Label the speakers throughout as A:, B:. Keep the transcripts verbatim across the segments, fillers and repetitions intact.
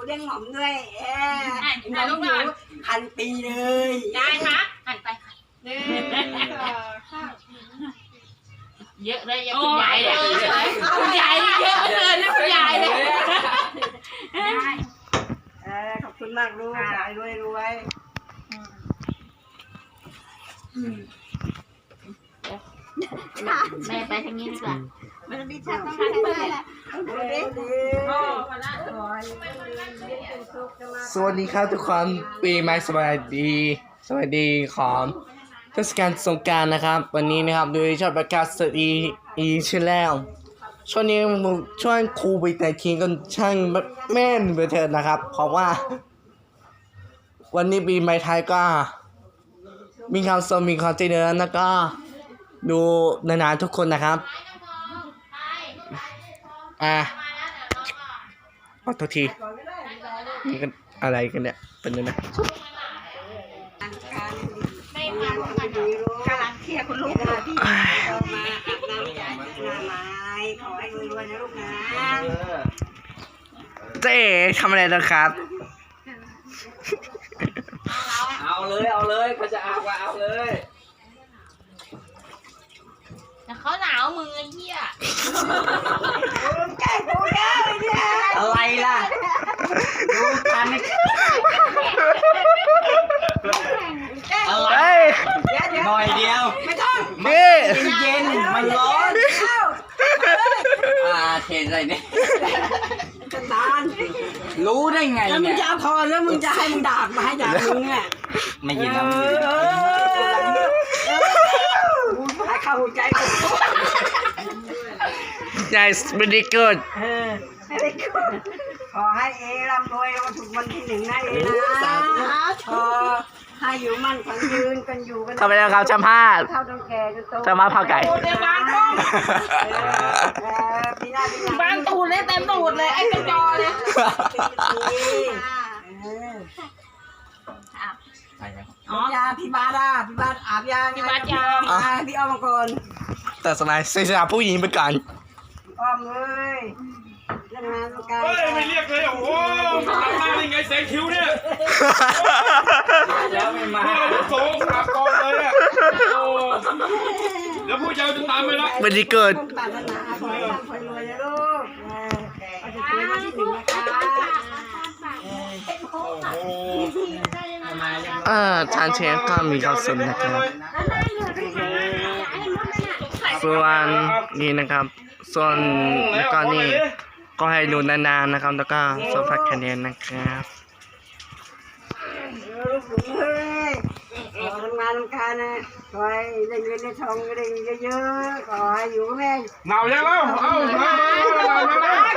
A: เลี้ยงหม่อมด้วยเออหม่อมอยู่พันปีเลย
B: ได้ค่ะหันไปค่ะ
C: หนึ่งสองสาม
B: เยอะเลยเยอะคุณยายเลยคุณยายเยอะเกินนะคุณยายเลย
A: เออขอบคุณมากลูกขายรวยรวย
B: แม่ไปทางนี้ดีกว่า
A: มันมีชักต้องให้เลย
D: สวัสดีครับทุกคนปีใหม่สวัสดีสวัสดีของเทศกาลสงกรานต์นะครับวันนี้นะครับโดยชอบประกาศสตีอีชื่อแล้วช่วงนี้ช่วงครูไปแต่ทีก็ช่างแม่นไปเถิดนะครับเพราะว่าวันนี้ปีใหม่ไทยก็มีความสมมีความเจริญแล้วก็ดูนานๆทุกคนนะครับอ่ะขอโทษทีนี่กันอะไรกันเนี่ยเป็นยังไง
A: ไม่มาการกำลังเคลียร์คุณลูกนะพี่มาอาบน้ำยาหน้าไม้ขอให้รวยๆนะลูกนะ
D: เจ๊ทำอะไรนะครับ
E: เอาเลยเอาเลยเขาจะอาบก็เอาเลย
B: แต่เขาหนาวมือเหี้ย
A: แกกูแกเนี่ย
E: อะไรล่ะดูกันอะไรหน่อยเดียว
A: ไม่ต้อง
D: นี่
E: เย็นมันร้อนอ่าเทใส่เนี่ย
A: จะตาน
E: รู้ได้ไง
A: แล้วมึง
E: เนี่ย
A: จะเอาพอแล้วมึงจะให้มึงดาบมาให้ดาบมึงอ่ะ
E: ไม่ยินแล้ว
A: ให้เข้าหัวใจกู
D: Yes very good
A: เออขอให้เอร่ำรวยวันถูกวันที่หนึ่งนะเอนะขอให้อยู่มั่นขวัญยืนกันอยู่กัน
D: ทำไปแล้วครับชัมพาด
A: เท่าต้องแก่จนโต
D: จะมาเผาไก่
B: บางตูดเลยเต็มตูดเลยไอ้กระจอเลย
A: อ๋อยาพี่บาดาพี่บาดอาบยาพี่บาดยาพี่อ้อมมาก่อน
D: แต่สมัยเสียผู้หญิงไปก่อน
A: อ้อมเลยเรื่องงานลูกไก่
F: เฮ้ยไม่เรียกเลยโอ้โหทำหน้าได้ไงแสงคิ้วเนี่ย
E: แล้วไม่มา
F: เนี่ยโซ่ขาก่อนเลยอ่ะโอ้แล้วผู้เจ้าจะตามไปละ
D: วันนี้เกิด
A: ปรารถนาขอให้ร่ำขอให้รวยนะลูกเอาจะคุยวันที่หนึ่งนะคะ
F: โอ้โห
D: เออทานเชฟก็มีข้าวสุนนะครับส่วนนี่นะครับส่วนแล้วก็นี่ก็ให้ดูนานๆนะครับแล้วก็โซฟาคะแนนนะครับ
A: ลูกหนูเฮ้ยขอทำงานทำการนะขอให้ได้เงินได้ทองได้เยอะๆขอให้อยู่แม่
F: หนาวยังแล้วเอ้าหนาวหนาวหนาว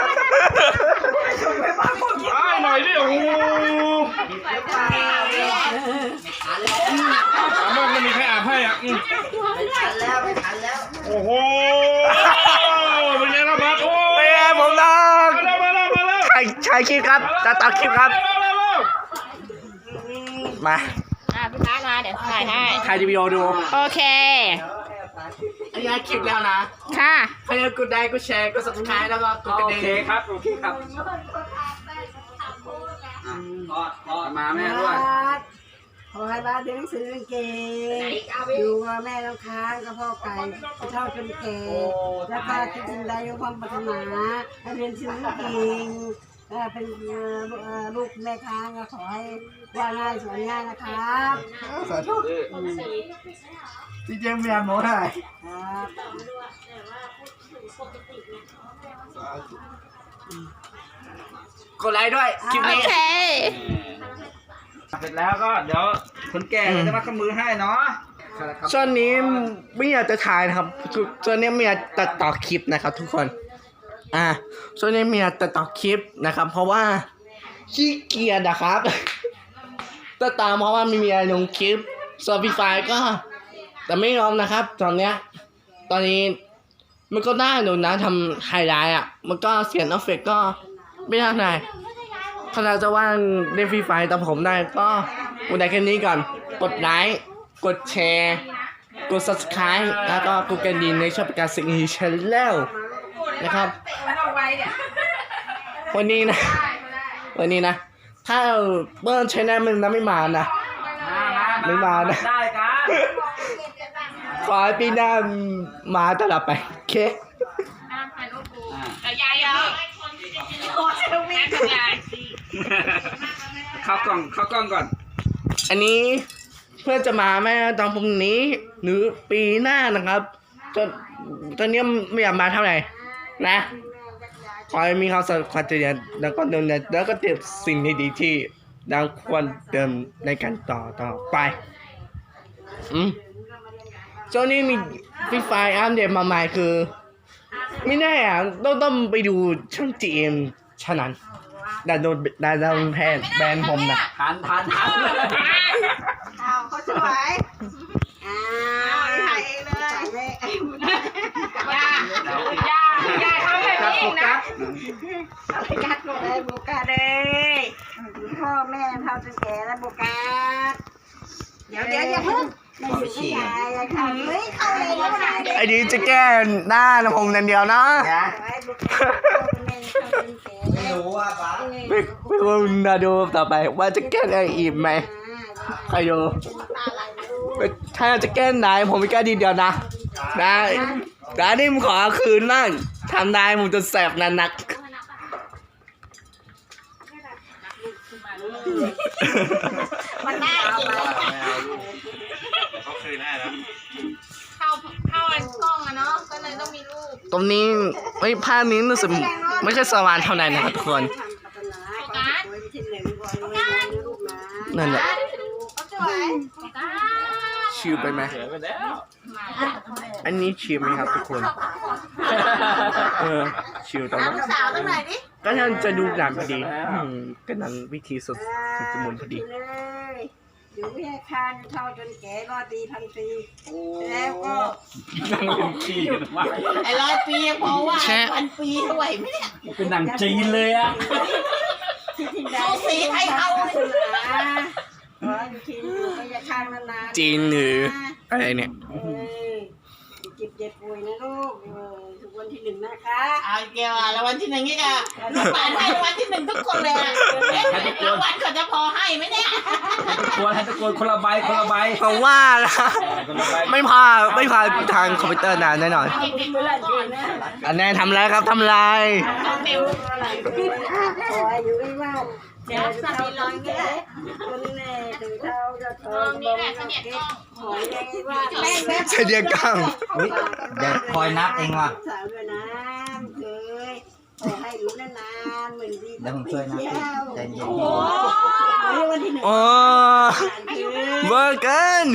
F: ไอ้หน่อยดิโอ้โหถามว่าไม่มีใครอาบให้อ่ะ
A: ไม่ทันแล้วไม่ทันแล้ว
F: โอ้โหเป็นไงล่ะบัดโอ้
D: เป็นไงผมน้อง
F: มาแล้วมาแล้วมาแล้ว
D: ใครใครคลิปครับจะตัดคลิปครับมา
B: อ่ะพี่พักมาเดี๋ยวถ่ายให้
D: ใครจะวิดีโอดู
B: โอเค
D: อันนี้คลิปแล้วนะ
B: ค่ะ
D: ใครจะกดไลค์กดแชร์กด ซับสไครบ์ แล้วก็กดกระดิ่ง
E: โอเคครับโอเคครับกอดกอดมาแม่ด้วย
A: ขอให้บ้านเรียนหนังสือเก่งอยู่กับแม่น้ำค้างกับพ่อไก่เท่าจนแก่แล้วก็คิดสิ่งใดด้วยความปรารถนาให้เรียนหนังสือเก่งเป็นลูกแม่ค้างก็ขอให้ว่าง่ายสอนง่ายนะครับ
D: สาธุที่เจมเมียนโม้ได้กดไลค์ด้วยคลิปนี้
B: โอเค
E: เสร็จแล้วก็เดี๋ยวคนแก่จะมาขมือให้เนาะ
D: ช่วงนี้ไม่อยากจะถ่ายนะครับช่วงนี้ไม่อยากตัดต่อคลิปนะครับทุกคนอ่าช่วงนี้ไม่อยากตัดต่อคลิปนะครับเพราะว่าขี้เกียจนะครับตัดตามเพราะว่าไม่มีอะไรลงคลิป Spotify ก็แต่ไม่ยอมนะครับตอนเนี้ยตอนนี้มันก็ได้ดูนะทำไฮไลท์อ่ะมันก็เสียงเอฟเฟกต์ก็ไม่ได้ไหนถ้าเราจะว่างเล่นฟรีไฟแต่ผมได้ก็วันไหนแค่นี้ก่อนกดไลค์กดแชร์กด ซับสไครบ์ แล้วก็กดกระดิ่งในช่องประกาศสิ่งนี้ชแนลนะครับวันนี้นะวันนี้นะถ้าเบิ้ลใช้แนมึงนะไม่มานะ ไม่มานะ
E: ได้กัน
D: ขอให้ปีหน้ามาตลอดไปโอเค
B: แต่ยายยังโอ้ยแม่กับยาย
E: เข้ากล้องเข้ากล้องก่อน
D: อันนี้เพื่อจะมาแม่ตอนพรุ่งนี้หรือปีหน้านะครับตอนตอนนี้ไม่อยากมาเท่าไหร่นะขอให้มีความสำคัญเรียนแล้วก็เดินแล้วก็เตรียมสิ่งดีๆที่เราควรเดินในการต่อต่อไปอืมช่วงนี้มีฟรีไฟอัปเดตมาใหม่คือ ไม่แน่อ่ะต้องต้องไปดูช่องจีเอ็มฉะนั้นแต่โดนแต่โดนแพนแบนผมนะ
E: ทันทันทัน
A: อ้าวเขาสวยอ้าวถ่ายเองเลยถ่ายเลย
B: ยายายาทำแบบนี้อีกนะ
A: กัดเลยโบกัดเลยพ่อแม่เท่าจนแก่แล้วโบกัดเดี๋ยวเดี๋ยวอย่าเพิ่งไม่ถึงไม่ยายอย่าทำเฮ้ยเข้าเลยแล้วนายเด็ก
D: ไอ้นี้จะแก้หน้าผมนั่นเดียวนะ
A: ไว้โบกัดแม่เท่าจนแก่
E: ไม่รู้ว่าป้า
D: ไม่ไม่รู้นะดูต่อไปว่าจะแก้อะไรอีกไหมใครดูถ้าจะแก้ไหนผมไม่แก้ดีเดียวนะได้แต่นี่ผมขอคืนนั่งทำได้ผมจะแสบนันนัก
A: มันน่ากิน
F: เขาคืนให้แล้ว
B: เข้าเข้าอันกล้องอะเนาะก็เลยต้องมีรูป
D: ตรงนี้ไม่ภาพนี้รู้สึกไม่ค่อยสว่างเท่าไหร่นะครับทุกคนนั่นแหละ
B: สวย
D: ชิวไปไหม
E: เสียไปแล้ว
D: อันนี้ชิวไหมครับทุกคนเออชิวตรงนั้น
B: สาวตั้งไหนดิ
D: ก็ยังจะดูหนังพอดีอืมก็นั้นวิธีสุดสุดจมูกพอดี
A: อยู่แค่คานเท่าจนแก่รอดดีพันปีแล้วก็
E: นั่งเป็นขี้กันมา
B: ไอ้ร้อยปีเพราะว่าพันปีไหวไหมเนี่ย
E: เป็นหนังจีนเลยอ่ะ
B: สูสีไทยเอา
A: สุราขออยู่ที่อยู่ไม่ยาคางนานๆ
D: จีนหรืออะไรเนี่ย
A: เออเจ็บเจ็บป่วยนะลูกเออทุกวันที่หนึ่งนะคะ
B: เอาเกี่ยวอ่ะแล้ววันที่หนึ่งนี่ก็ลูกหลานให้รางวัลที่หนึ่งทุกคนเลยอ่ะเอ๊ะรางวัลเขาจะพอให้ไหมเนี่ย
E: ตะโกนให้ตะโกนคนละใบคนละใบ
D: เพราะว่านะ
E: คนละใบ
D: ไม่พาไม่พาทางคอมพิวเตอร์นานแน่นอน
B: เด็กๆก่อน
D: อันนี้ทำอะไรครับทำอะไร
B: เต็ม
A: ขออายุให้มากเดี๋ยวจะทำร้อนก็ได้คนแน่ถึงเท่าจะทนบ่มนักเก็บขอยังว่าแม่แม่
D: เสดียกล้อง
E: เดี๋ยวคอยนับเองว่ะ
A: สาวด้วยนะเคยขอให้อยู่นานๆเหมือนดี
E: เดี๋ยวผมช่วยนะใจเย็น
A: โอ้โหวันที่หนึ่ง
D: โอ้เบอร์เกิน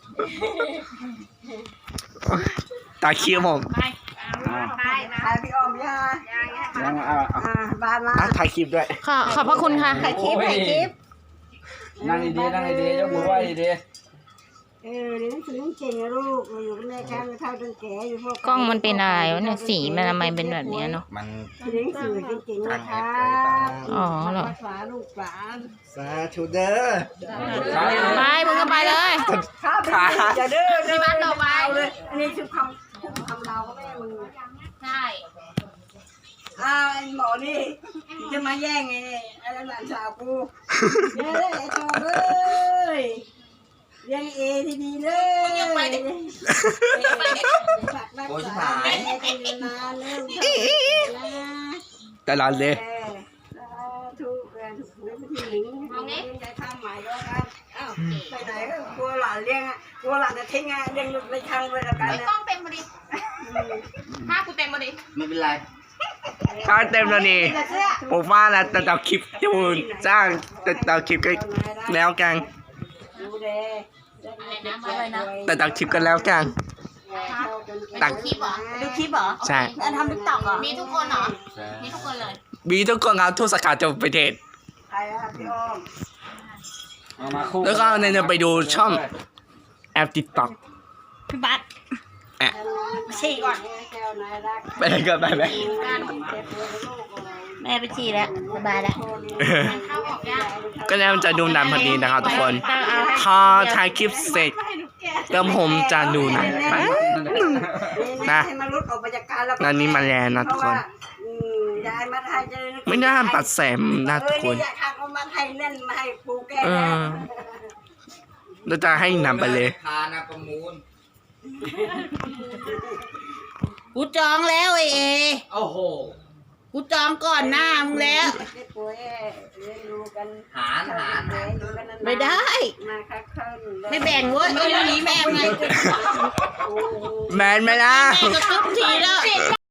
D: ตาเคียวผม
B: ไป
A: ไปไปพี่ออมย่า
E: ยังเอาเอา
A: อ่าบานมา
D: อ่ะถ่ายคลิปด้วย
G: ขอขอบพระคุณค่ะ
A: ถ่ายคลิปถ่ายคลิป
E: นั่งดีๆนั่งดีๆยกมือไหว้ดี
A: เออเรียนหนังสือเก่งนะลูกอยู่กับแม่กันเท่าจนแก่อยู่พวก
G: กล้องมันเป็นอะไรวะเนี่ยสีมันทำไมเป็นแบบเนี้ยเนาะ
E: ๆมัน
A: เรียนหนังสือเก่งๆนะคะ
G: อ๋อเหรอ
A: ภาษาลูกหลาน
D: สาธุเด้อ
G: ไปมึงก็ไปเลย
A: ข้าไปอย่าเด้อที่บ้านเราไปเลยอันนี้คือคำคุ้มคำเราก็แม่มึง
B: ใช่
A: อ้าวไอ้หมอนี่จะมาแย่งไงเนี่ยไอ้หลานสาวกูเนี่ยไอ้ทองเอ้ยเลี้ยงเอทีดีเลยฝากรักษาแม่กันนานๆแล้วนะ
D: ตลอดเลย
A: เออทุกเออทุกเรื่องที่หนึ่งเอางี้ยายทำใหม่ด้วยกันอ้าวไปไหนก็กลัวหลานเลี้ยงอ่ะกลัวหลานจะทิ้งอ่ะเลี้ยงในทางเลยละกัน
B: ไม่
A: นะ
B: ต้องเต็มมาดิห้ากูเต็มมาดิ
E: ไม่เป็นไร
D: ถ้าเต็มแล้วนี่ผมว่าแล้วแต่ต่อคลิปจูนจ้างแต่ต่อคลิปก็แล้วกัน
A: ดูแล
B: อะไรนะอะไรนะ
D: แต่ต่อคลิปกันแล้วกัน
A: ตักคลิปเหรอดูคลิปเหรอ
D: ใช่
A: แล้วทำติ๊กต็อกเหรอ
B: มีทุกคนเหรอมีทุกคนเลย
D: มีทุกคนครับทุกสาขาจะประเทศ
A: ใครอะพี่อ้อม
E: เอามาคู่
D: แล้วก็เนี่ยไปดูช่องแอปติ๊กต็อก
G: พี่บัส
A: ฉี่ก่อนแก้วนายรัก
D: ไปเลยก็ไปไหม
A: เจ็บเลยลูกอะไร
G: แม่ไปฉี่แล้วสบายแล้ว
B: เข้าออกยาก
D: ก็แล้วจะดูหนังพอดีนะครับทุกคนพอถ่ายคลิปเสร็จก็ผมจะดูหนังไป นะ
A: ให้มันลดออกมาจากการแล้ว
D: นั่นนี่มาแล้วนะทุกคน
A: อืมยายมาไทยจะ
D: ไม่น่าตัดแสมนะทุกคน
A: เอออยากทำเอามาไทยเล่นมาให้ปูแก
D: เออเราจะให้นำไปเลย
E: ทานะประมูล
B: กูจองแล้วไอเอ
E: โอ้โห
B: กูจองก่อนหน้ามึงแล้ว
A: ได้ป่วยเรียนรู้กัน
E: หารหาร
A: เรียนรู้กันนานๆ
B: ไม่ได้
A: มาคักเคิล
B: ไม่แบ่งเว้ยไอ้เรื่องนี้แม่งไง
A: โอ้โห
D: แมนไหมล่ะ
B: แม่ก็ทุบทีแล้ว